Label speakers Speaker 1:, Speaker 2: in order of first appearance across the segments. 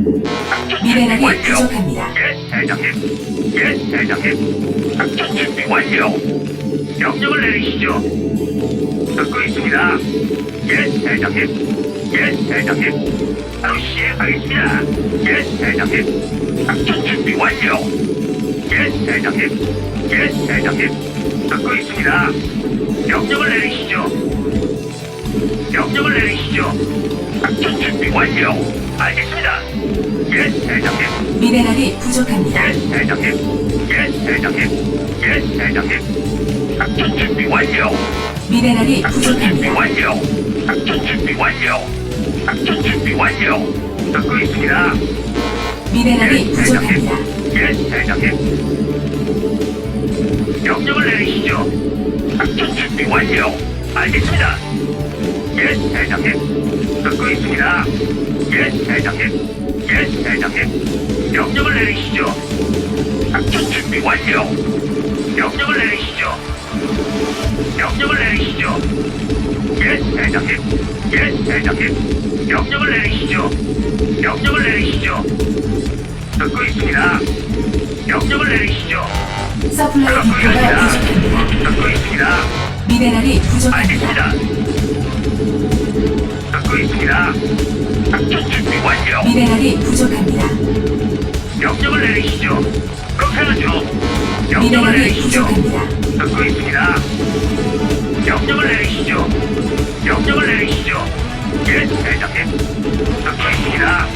Speaker 1: 작전 준비
Speaker 2: 미네랄이
Speaker 1: 완료.
Speaker 2: 부족합니다.
Speaker 1: 예, 대장님. 예, 대장님. 작전 준비 완료. 명령을 내리시죠. 듣고 있습니다. 예, 대장님. 예, 대장님. 바로 시행하겠습니다. 예, 대장님. 작전 준비 완료. 예, 대장님. 예, 대장님. 듣고 있습니다. 명령을 내리시죠. 명령을 내리시죠. 작전 준비 완료. 알겠습니다. 예, 대장님.
Speaker 2: 미네랄이 부족합니다.
Speaker 1: 예, 대장님. 예, 대장님. 예, 대장님. 작전 준비 완료.
Speaker 2: 미네랄이
Speaker 1: 작전 준비
Speaker 2: 부족합니다.
Speaker 1: 완료. 작전 준비 완료. 작전 준비 완료. 듣고 있습니다.
Speaker 2: 미네랄이 부족합니다.
Speaker 1: 예, 대장님. 명령을 내리시죠. 작전 준비 완료. 알겠습니다. 예, 대장님. 듣고 있습니다. 예, 대장님. 예, 대장님. 명령을 내리시죠. 작전 준비 완료. 명령을 내리시죠. 명령을 내리시죠. 예, 대장님. 예, 대장님. 명령을 내리시죠. 명령을 내리시죠. 듣고 있습니다. 명령을 내리시죠.
Speaker 2: 서플라이 디포가 부족합니다.
Speaker 1: 듣고 있습니다.
Speaker 2: 미네랄이 부족합니다.
Speaker 1: 알겠습니다. 듣고 있습니다. 작전 준비 완료.
Speaker 2: 미네랄이 부족합니다.
Speaker 1: 명령을 내리시죠. 그렇게 하죠. 명령을
Speaker 2: 미네랄이
Speaker 1: 내리시죠.
Speaker 2: 부족합니다.
Speaker 1: 듣고 있습니다. 명령을 내리시죠. 명령을 내리시죠. 예, 대장님. 듣고 있습니다.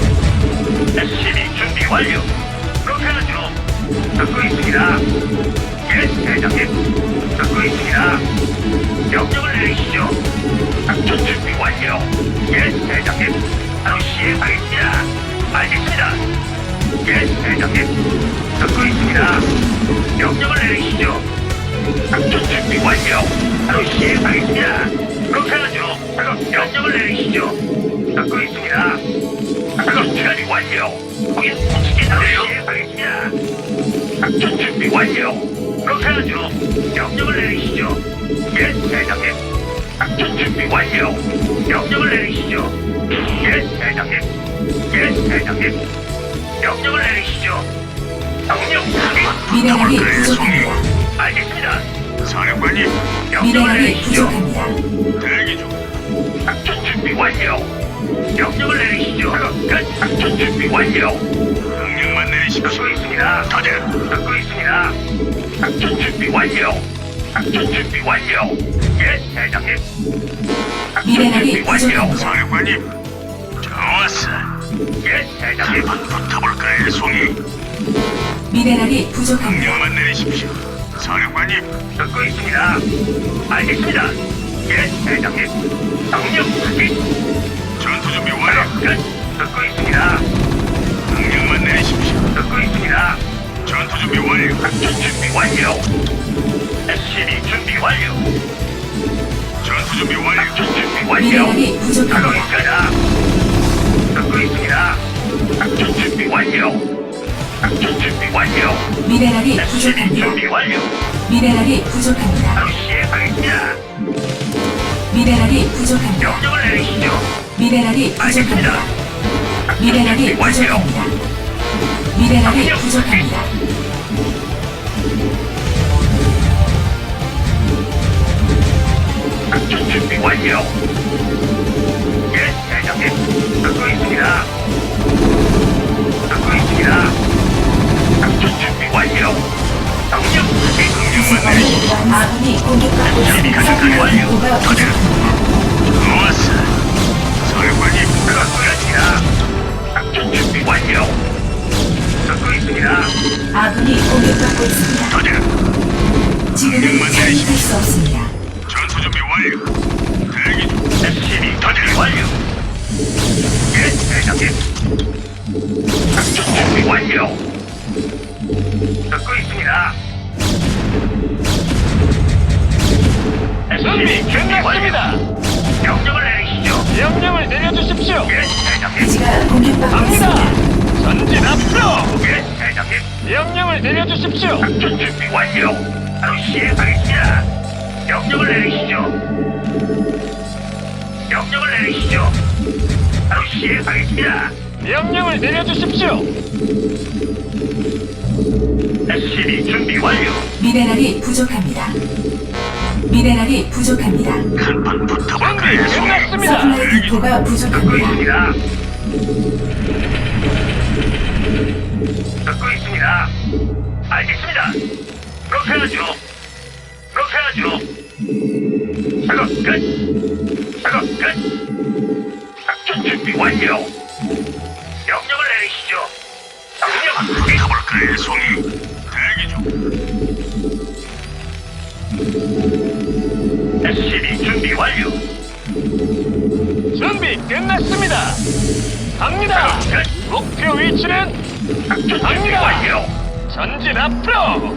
Speaker 1: SCV 준비 완료. 그렇게 하죠. 듣고 있습니다. 예, 대장님. 듣고 있습니다. 명령을 내리시죠. 작전 준비 완료. 예, 대장님. 바로 시행하겠습니다. 알겠습니다. 예, 대장님. 듣고 있습니다. 명령을 내리시죠. 작전 준비 완료. 바로 시행하겠습니다. 그렇게 하죠. 바로 명령을 내리시죠. 듣고 있습니다. 바로 시행이 완료. 거긴 움직이나요? 시행하겠습니다. 작전 준비 완료. 그렇게 하죠. 명령을 내리시죠. 예, 대장님. 작전 준비 완료. 명령을 내리시죠. 예, 대장님. 예, 대장님. 명령을 내리시죠. 명령
Speaker 2: 미네랄이
Speaker 1: 확인.
Speaker 2: 부족합니다.
Speaker 1: 알겠습니다. 사령관님. 명령을
Speaker 2: 미네랄이
Speaker 1: 내리시죠.
Speaker 2: 부족합니다.
Speaker 1: 대기 중. 작전 준비 완료. 명령을 내리시죠. 끝. 작전 준비 완료. 명령만 내리십시오. 듣고 있습니다. 다들 듣고 있습니다. 작전 준비 완료. 작전 준비 완료. 예, 대장님. 작전
Speaker 2: 미네랄이
Speaker 1: 준비 완료.
Speaker 2: 부족합니다.
Speaker 1: 사령관님. 좋았어. 예, 대장님. 붙어볼까요, 송이?
Speaker 2: 미네랄이 부족합니다.
Speaker 1: 명령만 내리십시오. 사령관님. 듣고 있습니다. 알겠습니다. 예, 대장님. 명령 확인. 전투 준비 완료. 끝. 듣고 있습니다. 명령만 내리십시오. 듣고 있습니다. 전투 준비 완료. 작전 준비 완료. SCV 준비 완료. 전투 준비 완료. 작전 준비 완료.
Speaker 2: 미네랄이
Speaker 1: 하고
Speaker 2: 부족합니다.
Speaker 1: 있습니다. 듣고 있습니다. 작전 준비 완료. 작전 준비 완료.
Speaker 2: 미네랄이
Speaker 1: SCV
Speaker 2: 부족합니다.
Speaker 1: 준비 완료.
Speaker 2: 미네랄이 부족합니다.
Speaker 1: 바로 시행하겠습니다.
Speaker 2: 미네랄이 부족합니다.
Speaker 1: 명령을 내리시죠.
Speaker 2: 미네랄이
Speaker 1: 알겠습니다.
Speaker 2: 부족합니다. 미네랄이
Speaker 1: 준비 완료.
Speaker 2: 부족합니다. 미네랄이 부족합니다.
Speaker 1: 작전 준비 완료. 예, 대장님. 듣고 있습니다. 듣고 있습니다. 작전 준비 완료. 명령 명령만 내리시죠.
Speaker 2: 아군이 공격받고
Speaker 1: 준비
Speaker 2: 있습니다.
Speaker 1: 가능한
Speaker 2: 서플라이
Speaker 1: 완료.
Speaker 2: 디포가 부족합니다.
Speaker 1: 좋았어. 사령관님, 듣고 있습니다. 작전 준비 완료. 듣고 있습니다.
Speaker 2: 아군이 공격받고 있습니다.
Speaker 1: 도전.
Speaker 2: 지금은 참여할 수 없습니다.
Speaker 1: 전투 준비 완료. 대기 중. SCV 도전 완료. 예, 대장님. 작전 준비 완료. 듣고 있습니다. SCV 준비 완료. 명령을 내리시죠.
Speaker 3: 명령을 내려주십시오.
Speaker 1: 예, 대장님.
Speaker 2: 기지가 공격받고
Speaker 3: 갑니다.
Speaker 2: 있습니다.
Speaker 3: 전진 앞으로.
Speaker 1: 예, 대장님.
Speaker 3: 명령을 내려주십시오.
Speaker 1: 작전 준비 완료. 바로 시행하겠습니다. 명령을 내리시죠. 명령을 내리시죠. 바로 시행하겠습니다.
Speaker 3: 명령을 내려주십시오.
Speaker 1: SCB 준비 완료.
Speaker 2: 미네랄이 부족합니다. 미네랄이 부족합니다.
Speaker 1: 한판
Speaker 3: 준비
Speaker 1: 붙어볼까요, 송이?
Speaker 3: 끝났습니다.
Speaker 2: 서플라이 디포가
Speaker 1: 듣고
Speaker 2: 부족합니다.
Speaker 1: 있습니다. 듣고 있습니다. 알겠습니다. 그렇게 하죠. 그렇게 하죠. 작업 끝. 작업 끝. 작전 준비 완료. 명령을 내리시죠. 명령 확인. 가볼까요, 송이? 대기 중. SCB 준비 완료.
Speaker 3: 준비 끝났습니다. 갑니다.
Speaker 1: 끝.
Speaker 3: 목표 위치는
Speaker 1: 작전 준비
Speaker 3: 갑니다.
Speaker 1: 완료.
Speaker 3: 전진 앞으로.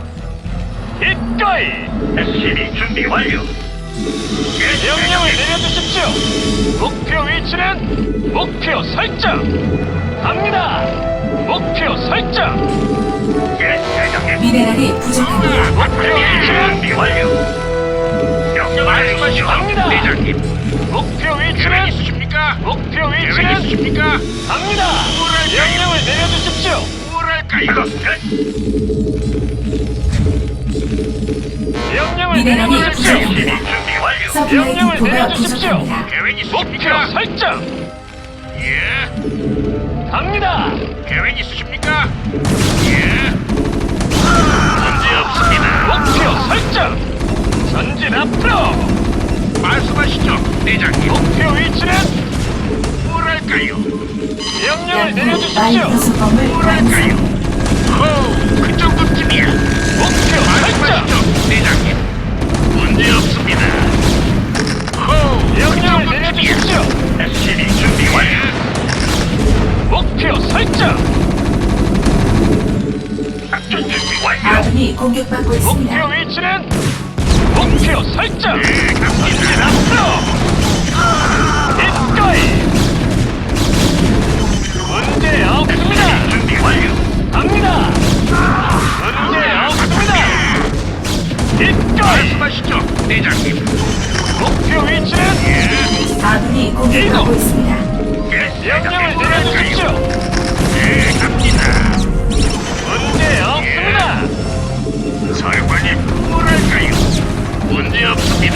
Speaker 3: 기꺼이
Speaker 1: SCB 준비 완료. 예,
Speaker 3: 명령을
Speaker 1: 대장님.
Speaker 3: 내려주십시오. 목표 위치는 목표 설정. 갑니다. 목표 설정.
Speaker 1: 예, 대장님.
Speaker 2: 미네랄이 부족합니다.
Speaker 3: 목표 위치는
Speaker 1: 준비 완료. 명령을 내리시죠.
Speaker 3: 갑니다.
Speaker 1: 대장님.
Speaker 3: 목표
Speaker 1: 계획
Speaker 3: 위치는
Speaker 1: 있으십니까?
Speaker 3: 목표
Speaker 1: 계획
Speaker 3: 위치는
Speaker 1: 있으십니까?
Speaker 3: 갑니다. 명령을 내려주십시오.
Speaker 1: 뭐랄까요?
Speaker 3: 명령을
Speaker 2: 미네랄이
Speaker 3: 내려주십시오.
Speaker 2: 부족합니다.
Speaker 1: 준비 완료.
Speaker 2: 서플라이
Speaker 3: 명령을
Speaker 2: 디포가
Speaker 3: 내려주십시오.
Speaker 2: 부족합니다.
Speaker 1: 계획
Speaker 3: 목표
Speaker 1: 있으십니까?
Speaker 3: 설정.
Speaker 1: 예.
Speaker 3: 갑니다.
Speaker 1: 계획 있으십니까? 예. 문제 없습니다.
Speaker 3: 목표 설정. 전진 앞으로.
Speaker 1: 말씀하시죠, 대장님.
Speaker 3: 목표 위치는
Speaker 1: 뭐랄까요?
Speaker 3: 명령을
Speaker 2: 마이
Speaker 3: 내려주십시오.
Speaker 2: 부속범을
Speaker 1: 뭐랄까요?
Speaker 2: 완성.
Speaker 1: 호, 그 정도쯤이야.
Speaker 3: 목표 설정.
Speaker 1: 말씀하시죠, 대장님. 문제 없습니다. 호, 그
Speaker 3: 명령을
Speaker 1: 정도쯤이야.
Speaker 3: 내려주십시오.
Speaker 1: SCB 준비 완료.
Speaker 3: 목표 설정.
Speaker 1: 작전 준비 완료.
Speaker 2: 아군이 공격받고
Speaker 3: 목표
Speaker 2: 있습니다.
Speaker 3: 위치는 목표 설정.
Speaker 1: 네,
Speaker 3: 전진
Speaker 1: 갑니다.
Speaker 3: 앞으로. 기꺼이 문제 없습니다.
Speaker 1: 준비 완료.
Speaker 3: 갑니다. 문제 없습니다. 기꺼이
Speaker 1: 말씀하시죠, 대장님.
Speaker 3: 목표 위치는
Speaker 2: 아군이 공격받고 있습니다.
Speaker 1: 예,
Speaker 3: 명령을
Speaker 1: 대장님.
Speaker 3: 내려주십시오.
Speaker 1: 네, 갑니다.
Speaker 3: 문제 없습니다.
Speaker 1: 사령관님, 뭐랄까요? 문제 없습니다.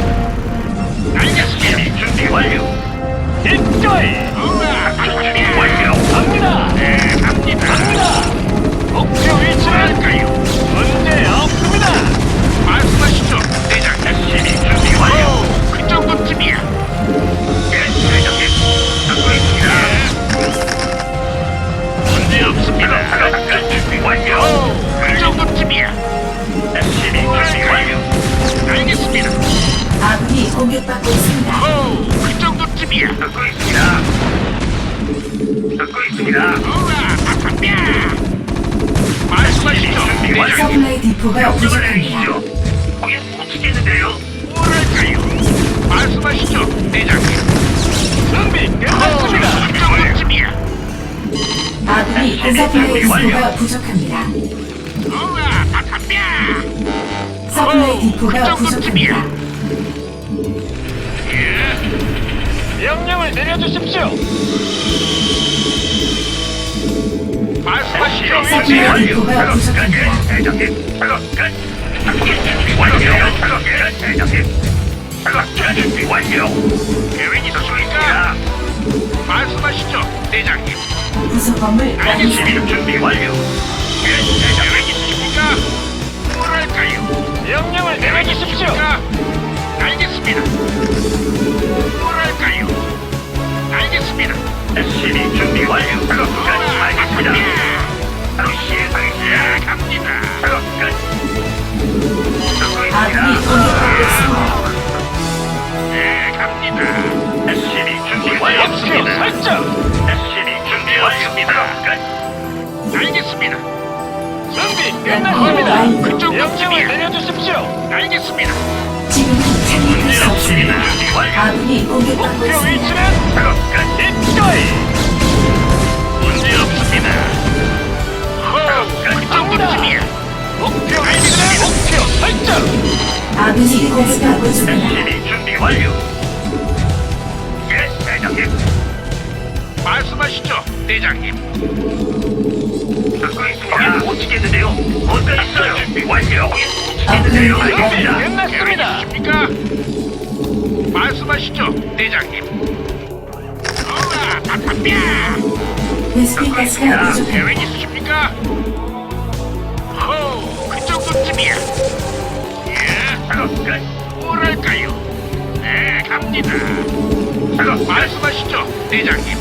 Speaker 1: 알겠습니다. 준비 완료.
Speaker 3: 기꺼이
Speaker 1: 우와, 준비 완료.
Speaker 3: 갑니다.
Speaker 1: 네, 갑니다.
Speaker 3: 갑니다. 목표 위치는
Speaker 1: 뭐랄까요?
Speaker 3: 문제 없습니다.
Speaker 1: 말씀하시죠, 대장님. SCB 준비 완료. 그 정도쯤이야. 예, 대장님. 듣고 있습니다. 문제 없습니다. 작전 준비 완료. 그 정도쯤이야. SCB 준비 완료. 알겠습니다.
Speaker 2: 아군이 공격받고 있습니다.
Speaker 1: 오, 그 정도쯤이야. 듣고 있습니다. 듣고 있습니다. 우와, 아깝냐. 말씀하시죠, 준비 완료.
Speaker 2: 서플라이 디포가
Speaker 1: 명령을
Speaker 2: 부족합니다.
Speaker 1: 내리시죠. 거긴 못 치겠는데요. 뭐랄까요? 말씀하시죠, 대장님.
Speaker 3: 준비 끝났습니다.
Speaker 1: 그 정도쯤이야.
Speaker 2: 아군이 서플라이 디포가 부족합니다.
Speaker 1: 우와, 아깝냐.
Speaker 2: 서플라이
Speaker 1: 그
Speaker 2: 디포가
Speaker 1: 정도쯤이야.
Speaker 2: 부족합니다.
Speaker 1: 예,
Speaker 3: 명령을 내려주십시오.
Speaker 1: 말씀하시죠.
Speaker 2: 서플라이 디포가 부족합니다.
Speaker 1: 대장님, 작업 끝. 작전 준비 완료. 작업 끝, 대장님. 작업 준비 완료. 계획 있으십니까? 말씀하시죠, 대장님.
Speaker 2: 부속범을 완성.
Speaker 1: 알겠습니다. 준비 완료. 예, 대장님. 계획 있으십니까? 뭐랄까요?
Speaker 3: 명령을 내려주십시오.
Speaker 1: 알겠습니다. 뭐랄까요? 알겠습니다. SCB 준비 완료. 작업 끝. 알겠습니다. 바로 시행하겠습니다. 갑니다. 작업 끝. 듣고
Speaker 2: 아군이
Speaker 1: 있습니다.
Speaker 2: 공격받고 있습니다.
Speaker 1: 네, 갑니다. SCB 준비
Speaker 3: 목표
Speaker 1: 완료입니다.
Speaker 3: 설정.
Speaker 1: SCB 준비 완료입니다. 끝. 알겠습니다.
Speaker 3: 준비 끝났습니다.
Speaker 1: 그쪽
Speaker 3: 명령을 내려주십시오.
Speaker 1: 알겠습니다.
Speaker 2: 지금은 참여할
Speaker 1: 문제
Speaker 2: 수
Speaker 1: 없습니다.
Speaker 2: 없습니다.
Speaker 1: 준비 완료.
Speaker 2: 아군이 공격받고
Speaker 3: 목표
Speaker 2: 있습니다.
Speaker 3: 위치는
Speaker 1: 작업 끝.
Speaker 3: 기꺼이
Speaker 1: 문제 없습니다. 그 정도쯤이야.
Speaker 3: 목표 위치는 목표 설정.
Speaker 2: 아군이 공격받고 있습니다.
Speaker 1: SCB 준비 완료. 예, 대장님. 말씀하시죠. 말씀하시죠, 대장님. 듣고 있습니다. 못 치겠는데요. 어떤 있어요? 준비 완료. 치겠는데요.
Speaker 3: 준비
Speaker 1: 알겠습니다.
Speaker 3: 끝났습니다.
Speaker 1: 계획 있으십니까? 말씀하시죠, 대장님. 어라, 바탕뼈.
Speaker 2: 베스핀 가스가 부족합니다.
Speaker 1: 계획 있으십니까? 호, 그 정도쯤이야. 예, 작업 끝. 뭐랄까요? 네, 갑니다. 작업 말씀하시죠, 대장님.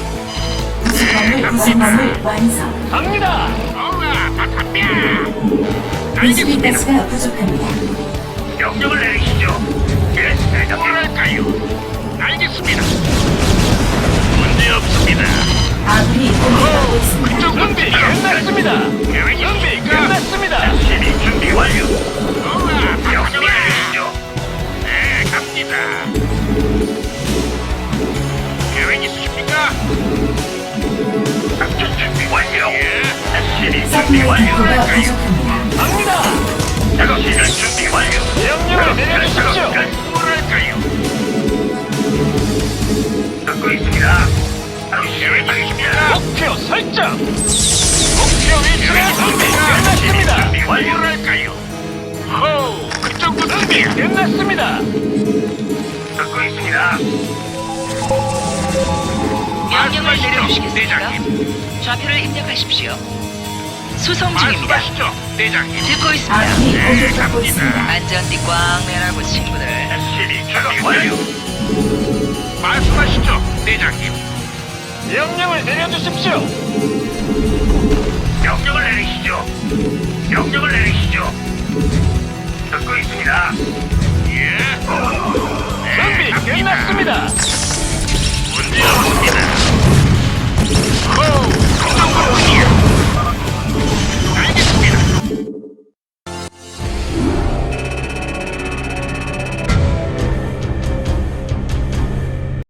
Speaker 2: 구성함을 완성.
Speaker 3: 갑니다.
Speaker 1: 어라, 바탕뼈.
Speaker 2: 베스핀
Speaker 1: 알겠습니다.
Speaker 2: 가스가 부족합니다.
Speaker 1: 명령을 내리시죠. 예, 대장님. 뭐랄까요? 알겠습니다. 문제 없습니다.
Speaker 2: 아군이 공격받고 있습니다.
Speaker 1: 그쪽
Speaker 3: 준비 끝났습니다.
Speaker 1: 계획
Speaker 3: 준비
Speaker 1: 있으십니까?
Speaker 3: 끝났습니다.
Speaker 1: SCB 준비 완료. 명령을 내리시죠. 네, 갑니다. 계획 있으십니까? 작전 준비 완료. SCB 준비
Speaker 2: 서플라이
Speaker 1: 완료.
Speaker 2: 디포가 부족합니다.
Speaker 3: 갑니다.
Speaker 1: 작업실은 준비 완료.
Speaker 3: 명령을 내려주십시오.
Speaker 1: 뭐랄까요? 듣고 있습니다. 바로 계획 있으십니까?
Speaker 3: 목표 설정. 목표 위치는 준비 끝났습니다.
Speaker 1: 준비 완료. 뭐랄까요? 호, 그 정도
Speaker 3: 준비
Speaker 1: 준비.
Speaker 3: 끝났습니다.
Speaker 1: 듣고 있습니다.
Speaker 4: 명령을
Speaker 1: 말씀하시죠,
Speaker 4: 내려주시겠습니까?
Speaker 1: 대장님.
Speaker 4: 좌표를 입력하십시오. 수송 중입니다.
Speaker 1: 말씀하시죠, 대장님.
Speaker 4: 듣고 있습니다.
Speaker 2: 아군이 공격받고 있습니다.
Speaker 4: 안전띠 꽝 매라고 친구들.
Speaker 1: SCB 준비 완료. 말씀하시죠, 대장님.
Speaker 3: 명령을 내려주십시오.
Speaker 1: 명령을 내리시죠. 명령을 내리시죠. 듣고 있습니다. 예.
Speaker 3: 준비 끝났습니다.
Speaker 1: 문제 없습니다.